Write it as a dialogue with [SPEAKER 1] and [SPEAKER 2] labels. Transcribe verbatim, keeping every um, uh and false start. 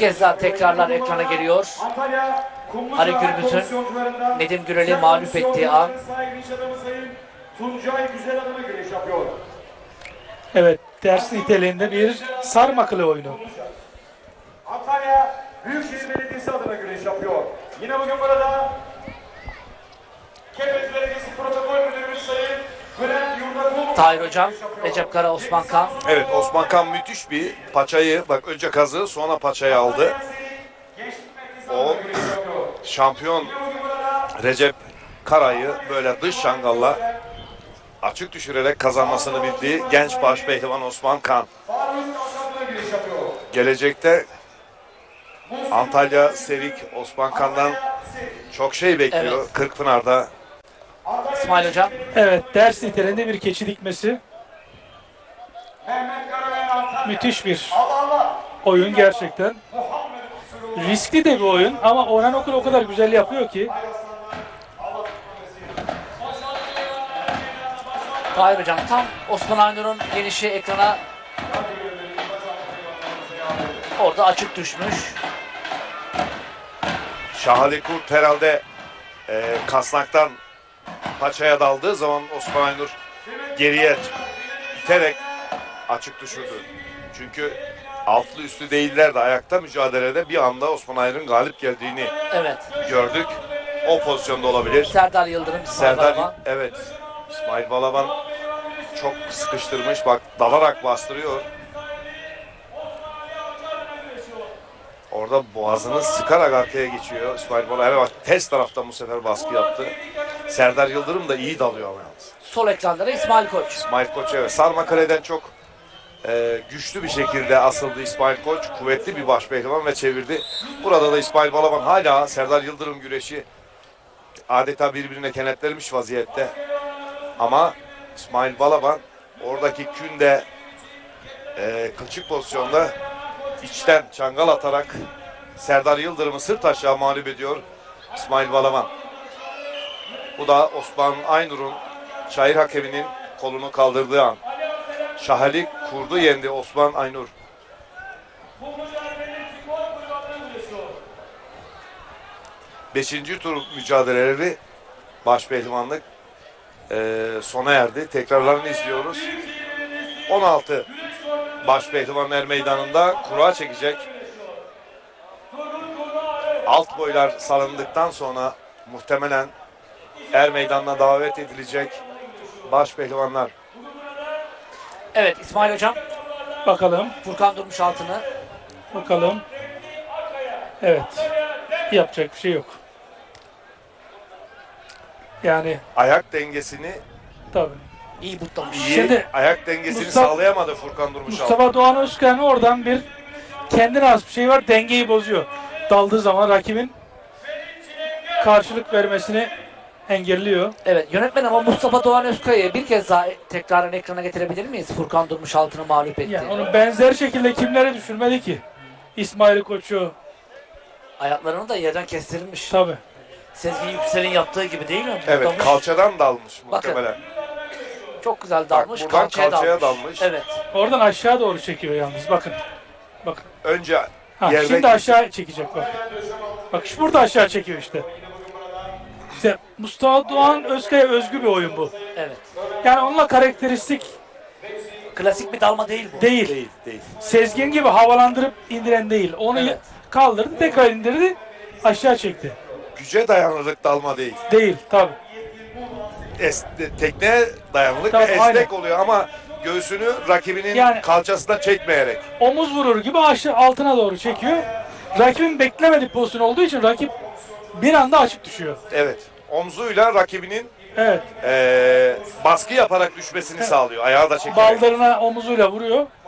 [SPEAKER 1] kez daha tekrarlar ekrana geliyor. Ali Gürbüz'ün Nedim Gürel'i mağlup ettiği an.
[SPEAKER 2] Tuncay Güzel adına güreş yapıyor.
[SPEAKER 3] Evet, ders niteliğinde bir sarmaklı oyunu.
[SPEAKER 2] Antalya Büyükşehir Belediyesi adına güreş yapıyor. Yine bugün burada Kepez Belediyesi Protokol Müdürümüz Sayın Bülent Yurdakul.
[SPEAKER 1] Tahir Hocam, Recep Kara, Osman Kan.
[SPEAKER 4] Evet, Osman Kan müthiş bir paçayı, bak önce kazı sonra paçayı aldı. O şampiyon Recep Kara'yı böyle dış şangalla açık düşürerek kazanmasını bildiği genç baş pehlivan Osman Kan. Gelecekte Antalya Sevik Osman Kan'dan çok şey bekliyor.
[SPEAKER 1] Evet.
[SPEAKER 4] Kırkpınar'da.
[SPEAKER 1] İsmail Hocam.
[SPEAKER 3] Evet, ders niteliğinde bir keçi dikmesi. Müthiş bir oyun gerçekten. Riskli de bir oyun ama Orhan Okur o kadar güzel yapıyor ki.
[SPEAKER 1] Tahir Hocam tam Osman Aynur'un genişi ekrana orada açık düşmüş.
[SPEAKER 4] Şahali Kurt herhalde e, kasnaktan paçaya daldığı zaman Osman Aynur geriye iterek açık düşürdü. Çünkü altlı üstü değiller de ayakta mücadelede bir anda Osman Aynur'un galip geldiğini
[SPEAKER 1] Evet.
[SPEAKER 4] gördük. O pozisyonda olabilir.
[SPEAKER 1] Serdar Yıldırım, İsmail
[SPEAKER 4] Serdar,
[SPEAKER 1] Balaban.
[SPEAKER 4] evet. İsmail Balaban çok sıkıştırmış. Bak dalarak bastırıyor. Orada boğazını sıkarak arkaya geçiyor İsmail Balaban. Evet bak ters taraftan bu sefer baskı yaptı. Serdar Yıldırım da iyi dalıyor ama yalnız.
[SPEAKER 1] Sol ekranlara İsmail Koç.
[SPEAKER 4] İsmail Koç evet. Sarmakale'den çok e, güçlü bir şekilde asıldı İsmail Koç. Kuvvetli bir baş pehlivan ve çevirdi. Burada da İsmail Balaban hala Serdar Yıldırım güreşi adeta birbirine kenetlenmiş vaziyette. Ama İsmail Balaban oradaki künde e, kılçık pozisyonda içten çangal atarak Serdar Yıldırım'ı sırt aşağı mağlup ediyor İsmail Balaban. Bu da Osman Aynur'un şair hakeminin kolunu kaldırdığı an. Şahali Kurdu yendi Osman Aynur. Beşinci tur mücadeleleri baş pehlivanlık e, sona erdi. Tekrarlarını izliyoruz. on altı baş pehlivan er meydanında kura çekecek. Alt boylar salındıktan sonra muhtemelen er meydanına davet edilecek baş pehlivanlar.
[SPEAKER 1] Evet İsmail Hocam.
[SPEAKER 3] Bakalım,
[SPEAKER 1] Furkan Durmuş altını.
[SPEAKER 3] bakalım. Evet, yapacak bir şey yok. Yani
[SPEAKER 4] Ayak dengesini
[SPEAKER 3] tabii.
[SPEAKER 1] İyi butlamış.
[SPEAKER 4] iyi,
[SPEAKER 3] Şimdi
[SPEAKER 4] ayak dengesini
[SPEAKER 3] Mustafa-
[SPEAKER 4] sağlayamadı Furkan Durmuş.
[SPEAKER 3] Mustafa Doğan Özkan oradan bir kendine has bir şey var, dengeyi bozuyor. Daldığı zaman rakibin karşılık vermesini engelliyor.
[SPEAKER 1] Evet yönetmen ama Mustafa Doğan Özkaya'yı bir kez daha tekrarın ekrana getirebilir miyiz? Furkan Durmuş altını mağlup etti.
[SPEAKER 3] Yani onu benzer şekilde kimlere düşürmedi ki? İsmail Koç'u
[SPEAKER 1] Ayaklarını da yerden kestirilmiş.
[SPEAKER 3] tabii.
[SPEAKER 1] Sezgin Yüksel'in yaptığı gibi değil mi?
[SPEAKER 4] Evet,
[SPEAKER 1] Butlamış.
[SPEAKER 4] kalçadan dalmış
[SPEAKER 1] Bakın.
[SPEAKER 4] muhtemelen.
[SPEAKER 1] Çok güzel dalmış.
[SPEAKER 4] buradan
[SPEAKER 1] kalçaya,
[SPEAKER 4] kalçaya
[SPEAKER 1] dalmış.
[SPEAKER 4] dalmış.
[SPEAKER 1] Evet.
[SPEAKER 3] Oradan aşağı doğru çekiyor yalnız bakın. Bakın.
[SPEAKER 4] Önce
[SPEAKER 3] Ha,
[SPEAKER 4] yerde
[SPEAKER 3] şimdi aşağı çekecek bak. Bak şu burada aşağı çekiyor işte. İşte Mustafa Doğan Özkaya özgü bir oyun bu.
[SPEAKER 1] Evet.
[SPEAKER 3] Yani onunla karakteristik
[SPEAKER 1] Klasik bir dalma değil bu.
[SPEAKER 3] değil.
[SPEAKER 4] değil, değil.
[SPEAKER 3] Sezgin gibi havalandırıp indiren değil. Onu
[SPEAKER 1] Evet.
[SPEAKER 3] kaldırdı, tekrar indirdi, aşağı çekti.
[SPEAKER 4] Güce dayanırlık dalma değil.
[SPEAKER 3] Değil tabii.
[SPEAKER 4] Es, tekneye dayanırlık
[SPEAKER 3] Tabii,
[SPEAKER 4] ve esnek
[SPEAKER 3] aynen.
[SPEAKER 4] oluyor ama göğsünü rakibinin
[SPEAKER 3] Yani-
[SPEAKER 4] kalçasına çekmeyerek.
[SPEAKER 3] Omuz vurur gibi aşağı altına doğru çekiyor. Rakibin beklemediği pozisyon olduğu için rakip bir anda açık düşüyor.
[SPEAKER 4] Evet. Omzuyla rakibinin
[SPEAKER 3] Evet.
[SPEAKER 4] eee, baskı yaparak düşmesini sağlıyor. Ayağı da çekerek.
[SPEAKER 3] Baldırına omuzuyla vuruyor.